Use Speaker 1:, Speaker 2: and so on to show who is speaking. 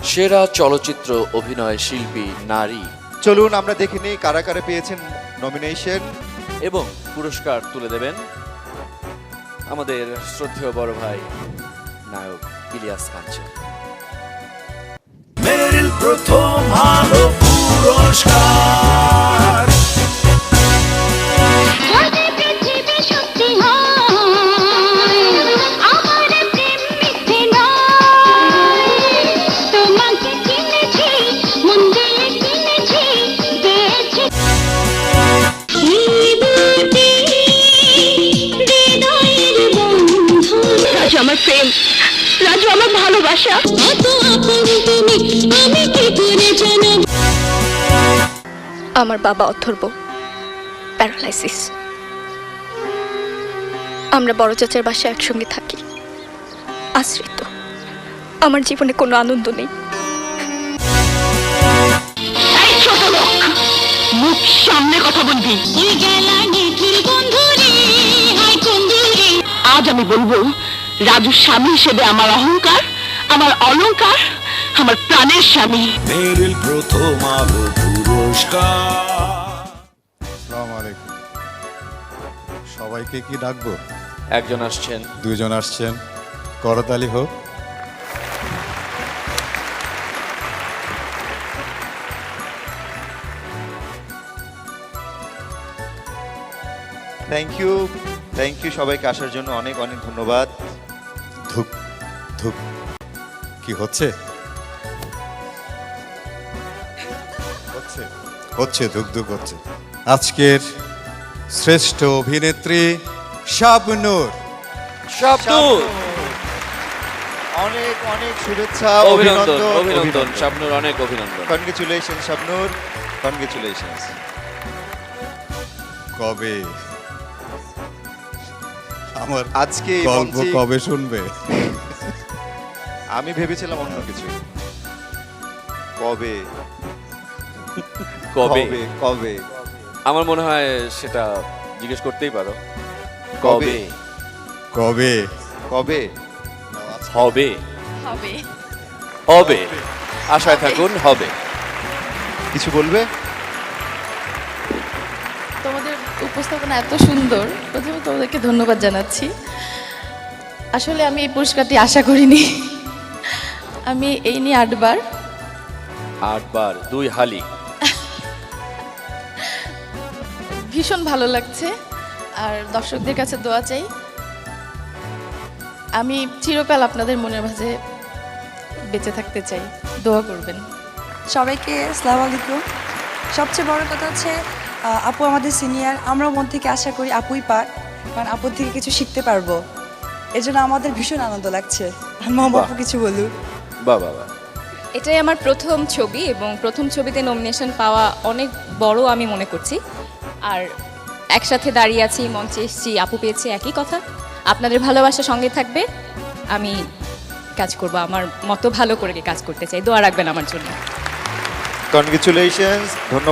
Speaker 1: সেরা চলচ্চিত্র অভিনয় শিল্পী নারী।
Speaker 2: চলুন আমরা দেখে নিই কারা কারা পেয়েছেন নমিনেশন
Speaker 1: এবং পুরস্কার তুলে দেবেন আমাদের শ্রদ্ধেয় বড় ভাই নায়ক ইলিয়াস কাঞ্চন।
Speaker 3: মেরিল প্রথম আলো পুরস্কার।
Speaker 4: আমার প্রেম, রাজু আমার ভালোবাসা। আমার বাবা অথর্ব প্যারালাইসিস। আমরা বড় চাচার বাসায় একসঙ্গে থাকি, আশ্রিত। আমার জীবনে কোনো আনন্দ নেই। ছোট লোক, মুখ সামনে কথা বলবি। আজ আমি বলবো, রাজুর স্বামী হিসেবে আমার অহংকার, আমার অলংকার, আমার প্রাণের স্বামী।
Speaker 3: মেরিল প্রথম আলো পুরস্কার।
Speaker 5: আসসালামু আলাইকুম। সবাইকে কি ডাকবো?
Speaker 1: একজন আসছেন,
Speaker 5: দুইজন আসছেন, করতালি হোক।
Speaker 2: থ্যাংক ইউ সবাইকে আসার জন্য অনেক অনেক ধন্যবাদ।
Speaker 5: ধুক ধুক কি হচ্ছে? হচ্ছে হচ্ছে ধুক ধুক হচ্ছে। আজকের শ্রেষ্ঠ অভিনেত্রী শাবনূর।
Speaker 1: শাবনূর।
Speaker 2: অনেক অনেক শুভেচ্ছা,
Speaker 1: অভিনন্দন অভিনন্দন শাবনূর, অনেক অভিনন্দন।
Speaker 2: Congratulation Shabnur, congratulations.
Speaker 5: কবে আমার
Speaker 2: আজকে এই
Speaker 5: গল্প
Speaker 2: মঞ্চে
Speaker 5: কবে শুনবে?
Speaker 2: আমি ভেবেছিলাম অন্য কিছু। কবে
Speaker 1: কবে?
Speaker 2: কবে কবে
Speaker 1: আমার মনে হয় সেটা জিজ্ঞেস করতেই পারো। কবে
Speaker 5: কবে
Speaker 2: কবে
Speaker 1: হবে?
Speaker 4: হবে
Speaker 1: হবে, আশায় থাকুন, হবে।
Speaker 2: কিছু বলবে?
Speaker 6: তোমাদের উপস্থাপনা এত সুন্দর, প্রথমে তোমাদেরকে ধন্যবাদ জানাচ্ছি। আসলে আমি এই পুরস্কারটি আশা করিনি। আমি এই নিয়ে 8 বার
Speaker 1: 8 বার 2 হালি।
Speaker 6: ভীষণ ভালো লাগছে, আর দর্শকদের কাছে দোয়া চাই। আমি চিরকাল আপনাদের মনের মাঝে বেঁচে থাকতে চাই, দোয়া করবেন।
Speaker 7: সবাইকে আসসালামু আলাইকুম। সবচেয়ে বড় কথা হচ্ছে আপু আমাদের সিনিয়র, আমরাও মন থেকে আশা করি আপুই পাক, কারণ আপুর থেকে কিছু শিখতে পারবো। এর জন্য আমাদের ভীষণ আনন্দ লাগছে। মামা আপু কিছু বলুন।
Speaker 1: বাহ বাহ বাহ।
Speaker 8: এটাই আমার প্রথম ছবি, এবং প্রথম ছবিতে নমিনেশন পাওয়া অনেক বড় আমি মনে করছি। আর একসাথে দাঁড়িয়ে আছি, মঞ্চে এসেছি, আপু পেয়েছি, একই কথা। আপনাদের ভালোবাসা সঙ্গে থাকবে, আমি কাজ করব, আমার মতো ভালো করে কাজ করতে চাই। দোয়া রাখবেন আমার জন্য।
Speaker 2: কনগ্রেচুলেশনস, ধন্যবাদ।